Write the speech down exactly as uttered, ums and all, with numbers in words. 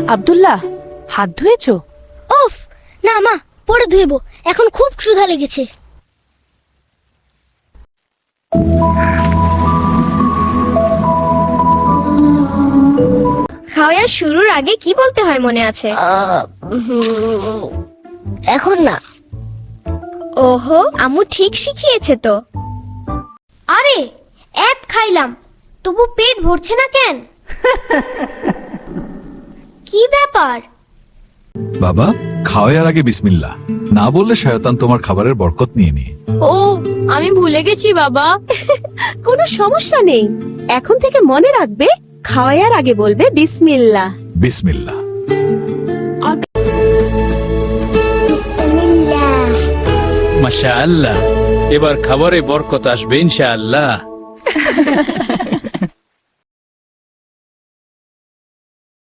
আব্দুল্লাহ, হাত ধুয়েছো? ওফ, না মা, পরে ধুয়েবো, এখন খুব ক্ষুধা লেগেছে। খাওয়া শুরুর আগে কি বলতে হয় মনে আছে? এখন না। ওহো, আম্মু ঠিক শিখিয়েছে তো। আরে, এক খাইলাম, তবু পেট ভরছে না কেন? কি ব্যাপার? বাবা, খাওয়ার আগে বিসমিল্লাহ না বললে শয়তান তোমার খাবারের বরকত নিয়ে নিয়ে। ও, আমি ভুলে গেছি বাবা। কোনো সমস্যা নেই, এখন থেকে মনে রাখবে খাওয়ার আগে বলবে বিসমিল্লাহ। বিসমিল্লাহ। বিসমিল্লাহ। মাশাআল্লাহ, এবার খাবারে বরকত আসবে ইনশাআল্লাহ।